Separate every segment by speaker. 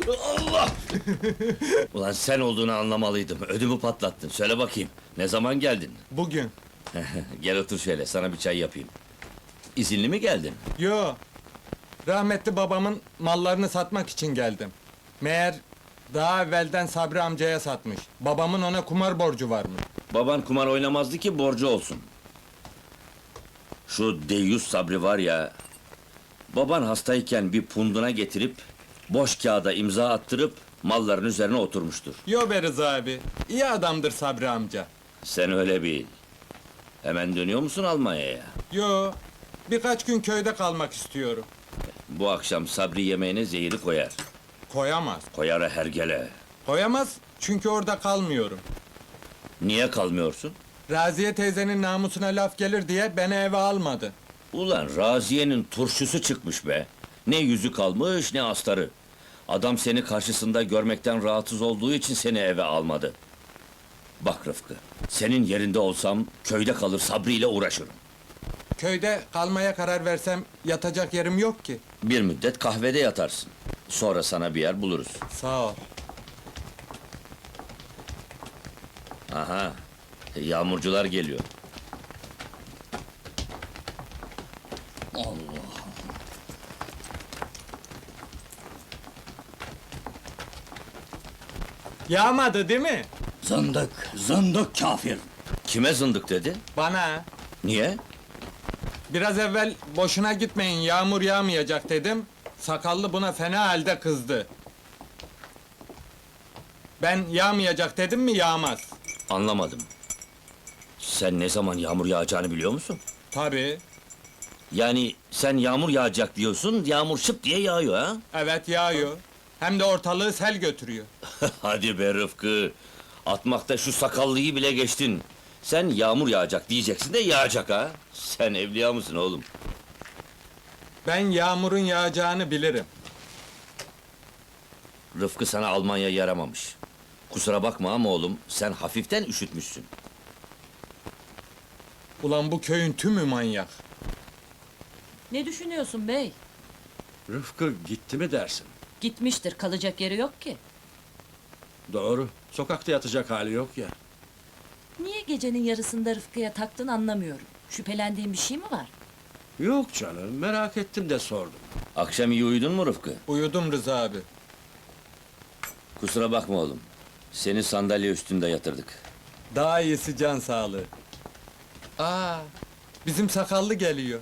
Speaker 1: Allah! Ulan sen olduğunu anlamalıydım. Ödümü patlattın. Söyle bakayım. Ne zaman geldin?
Speaker 2: Bugün.
Speaker 1: Gel otur şöyle. Sana bir çay yapayım. İzinli mi geldin?
Speaker 2: Yo. Rahmetli babamın mallarını satmak için geldim. Meğer daha evvelden Sabri amcaya satmış. Babamın ona kumar borcu varmış.
Speaker 1: Baban kumar oynamazdı ki borcu olsun. Şu deyyus Sabri var ya... Baban hastayken bir punduna getirip... Boş kağıda imza attırıp... Malların üzerine oturmuştur.
Speaker 2: Yo be Rıza abi. İyi adamdır Sabri amca.
Speaker 1: Sen öyle bil. Hemen dönüyor musun Almanya'ya?
Speaker 2: Yo. Birkaç gün köyde kalmak istiyorum.
Speaker 1: Bu akşam Sabri yemeğine zehiri koyar.
Speaker 2: Koyamaz.
Speaker 1: Koyar hergele.
Speaker 2: Koyamaz çünkü orada kalmıyorum.
Speaker 1: Niye kalmıyorsun?
Speaker 2: Raziye teyzenin namusuna laf gelir diye beni eve almadı.
Speaker 1: Ulan Raziye'nin turşusu çıkmış be! Ne yüzü kalmış, ne astarı! Adam seni karşısında görmekten rahatsız olduğu için seni eve almadı. Bak Rıfkı, senin yerinde olsam, köyde kalır Sabri ile uğraşırım.
Speaker 2: Köyde kalmaya karar versem yatacak yerim yok ki.
Speaker 1: Bir müddet kahvede yatarsın. Sonra sana bir yer buluruz.
Speaker 2: Sağ ol.
Speaker 1: Aha, yağmurcular geliyor.
Speaker 2: Yağmadı değil mi?
Speaker 1: Zındık kafir! Kime zındık dedi?
Speaker 2: Bana.
Speaker 1: Niye?
Speaker 2: Biraz evvel boşuna gitmeyin yağmur yağmayacak dedim. Sakallı buna fena halde kızdı. Ben yağmayacak dedim mi yağmaz.
Speaker 1: Anlamadım. Sen ne zaman yağmur yağacağını biliyor musun?
Speaker 2: Tabii.
Speaker 1: Yani sen yağmur yağacak diyorsun, yağmur şıp diye yağıyor ha?
Speaker 2: Evet yağıyor. Hem de ortalığı sel götürüyor.
Speaker 1: Hadi be Rıfkı! Atmakta şu sakallıyı bile geçtin. Sen yağmur yağacak diyeceksin de yağacak ha? Sen evliya mısın oğlum?
Speaker 2: Ben yağmurun yağacağını bilirim.
Speaker 1: Rıfkı sana Almanya yaramamış. Kusura bakma ama oğlum, sen hafiften üşütmüşsün.
Speaker 2: Ulan bu köyün tümü manyak.
Speaker 3: Ne düşünüyorsun bey?
Speaker 4: Rıfkı gitti mi dersin?
Speaker 3: Gitmiştir, kalacak yeri yok ki.
Speaker 4: Doğru. Sokakta yatacak hali yok ya.
Speaker 3: Niye gecenin yarısında Rıfkı'ya taktın anlamıyorum. Şüphelendiğin bir şey mi var?
Speaker 4: Yok canım, merak ettim de sordum.
Speaker 1: Akşam iyi uyudun mu Rıfkı?
Speaker 2: Uyudum Rıza abi.
Speaker 1: Kusura bakma oğlum. Seni sandalye üstünde yatırdık.
Speaker 2: Daha iyisi can sağlığı. Aa, bizim sakallı geliyor.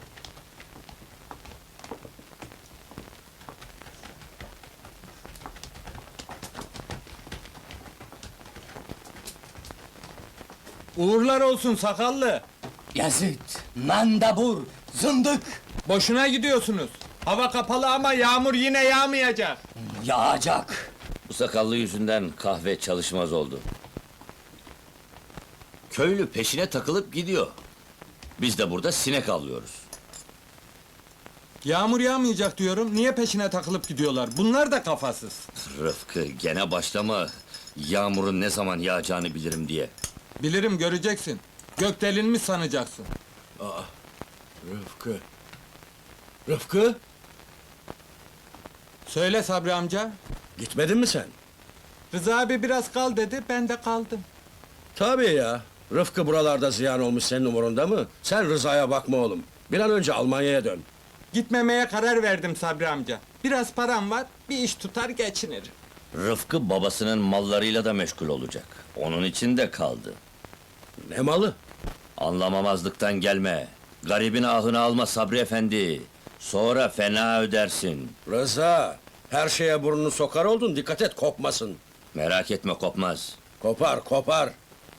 Speaker 2: Uğurlar olsun sakallı.
Speaker 5: Yazıt, mandabur, zındık!
Speaker 2: Boşuna gidiyorsunuz. Hava kapalı ama yağmur yine yağmayacak.
Speaker 5: Yağacak!
Speaker 1: Bu sakallı yüzünden kahve çalışmaz oldu. Köylü peşine takılıp gidiyor. Biz de burada sinek avlıyoruz.
Speaker 2: Yağmur yağmayacak diyorum. Niye peşine takılıp gidiyorlar? Bunlar da kafasız.
Speaker 1: Rıfkı, gene başlama. Yağmurun ne zaman yağacağını bilirim diye.
Speaker 2: Bilirim göreceksin. Gök delinmiş sanacaksın.
Speaker 4: Rıfkı. Rıfkı,
Speaker 2: Söyle Sabri amca.
Speaker 4: gitmedin mi sen?
Speaker 2: Rıza abi biraz kal dedi, ben de kaldım.
Speaker 4: Tabii ya. Rıfkı buralarda ziyan olmuş senin umurunda mı? Sen Rıza'ya bakma oğlum. Bir an önce Almanya'ya dön.
Speaker 2: Gitmemeye karar verdim Sabri amca. Biraz param var, bir iş tutar geçinirim.
Speaker 1: Rıfkı babasının mallarıyla da meşgul olacak. Onun için de kaldı.
Speaker 4: Ne malı?
Speaker 1: Anlamamazlıktan gelme. Garibin ahını alma Sabri efendi. Sonra fena ödersin.
Speaker 4: Rıza, her şeye burnunu sokar oldun, dikkat et kopmasın.
Speaker 1: Merak etme kopmaz.
Speaker 4: Kopar, kopar.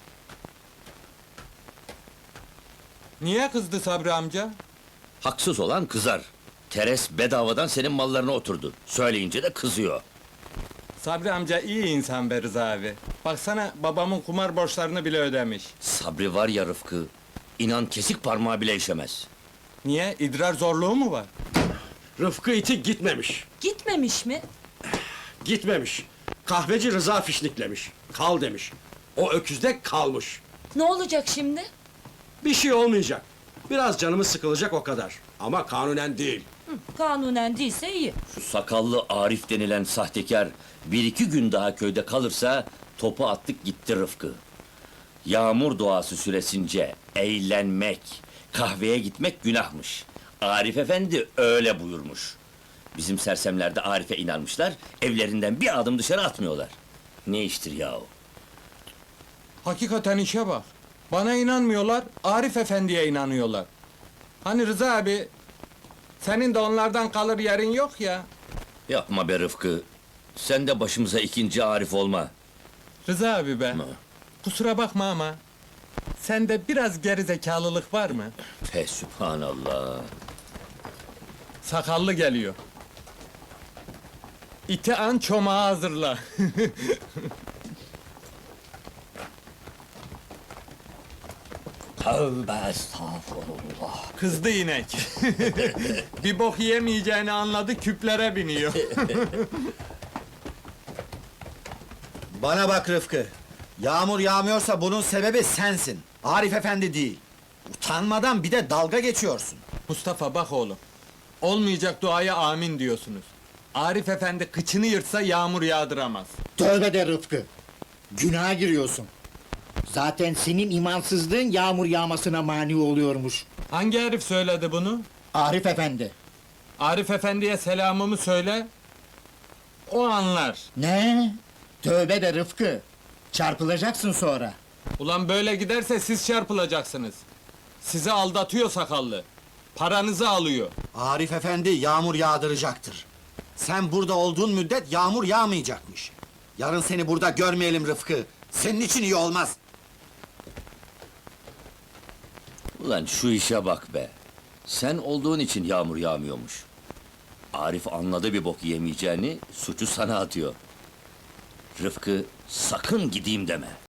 Speaker 2: Niye kızdı Sabri amca?
Speaker 1: Haksız olan kızar. Teres bedavadan senin mallarına oturdu. Söyleyince de kızıyor.
Speaker 2: Sabri amca iyi insan be Rıza abi. Baksana babamın kumar borçlarını bile ödemiş.
Speaker 1: Sabri var ya Rıfkı, inan kesik parmağı bile işemez.
Speaker 2: Niye? İdrar zorluğu mu var?
Speaker 4: Rıfkı iti gitmemiş.
Speaker 3: Gitmemiş mi?
Speaker 4: Gitmemiş. Kahveci Rıza fişniklemiş. Kal demiş. O öküzde kalmış.
Speaker 3: Ne olacak şimdi?
Speaker 4: Bir şey olmayacak. Biraz canımız sıkılacak o kadar. Ama kanunen değil.
Speaker 3: Kanunen değilse iyi.
Speaker 1: Şu sakallı Arif denilen sahtekar bir iki gün daha köyde kalırsa topu attık gitti Rıfkı. Yağmur doğası süresince eğlenmek, kahveye gitmek günahmış. Arif Efendi öyle buyurmuş. Bizim sersemler de Arif'e inanmışlar, evlerinden bir adım dışarı atmıyorlar. Ne iştir yahu?
Speaker 2: Hakikaten işe bak. Bana inanmıyorlar, Arif Efendi'ye inanıyorlar. Hani Rıza abi, senin de onlardan kalır yerin yok ya.
Speaker 1: Yapma be Rıfkı, sen de başımıza ikinci Arif olma.
Speaker 2: Rıza abi be, kusura bakma ama... ...sende biraz gerizekalılık var mı?
Speaker 1: Fe sübhanallah.
Speaker 2: Sakallı geliyor. İti an çomağı hazırla.
Speaker 5: Tövbe estağfurullah.
Speaker 2: Kızdı inek. Bir bok yemeyeceğini anladı, küplere biniyor.
Speaker 6: Bana bak Rıfkı. Yağmur yağmıyorsa bunun sebebi sensin. Arif Efendi değil. Utanmadan bir de dalga geçiyorsun.
Speaker 2: Mustafa bak oğlum. Olmayacak duaya amin diyorsunuz. Arif Efendi kıçını yırtsa yağmur yağdıramaz.
Speaker 7: Tövbe de Rıfkı. Günaha giriyorsun. Zaten senin imansızlığın yağmur yağmasına mani oluyormuş.
Speaker 2: Hangi herif söyledi bunu?
Speaker 7: Arif Efendi.
Speaker 2: Arif Efendi'ye selamımı söyle. O anlar.
Speaker 7: Ne? Tövbe de Rıfkı. Çarpılacaksın sonra.
Speaker 2: Ulan böyle giderse siz çarpılacaksınız. Sizi aldatıyor sakallı. Paranızı alıyor.
Speaker 6: Arif Efendi yağmur yağdıracaktır. Sen burada olduğun müddet yağmur yağmayacakmış. Yarın seni burada görmeyelim Rıfkı. Senin için iyi olmaz.
Speaker 1: Ulan şu işe bak be. Sen olduğun için yağmur yağmıyormuş. Arif anladı bir bok yemeyeceğini, suçu sana atıyor. Rıfkı, sakın gideyim deme.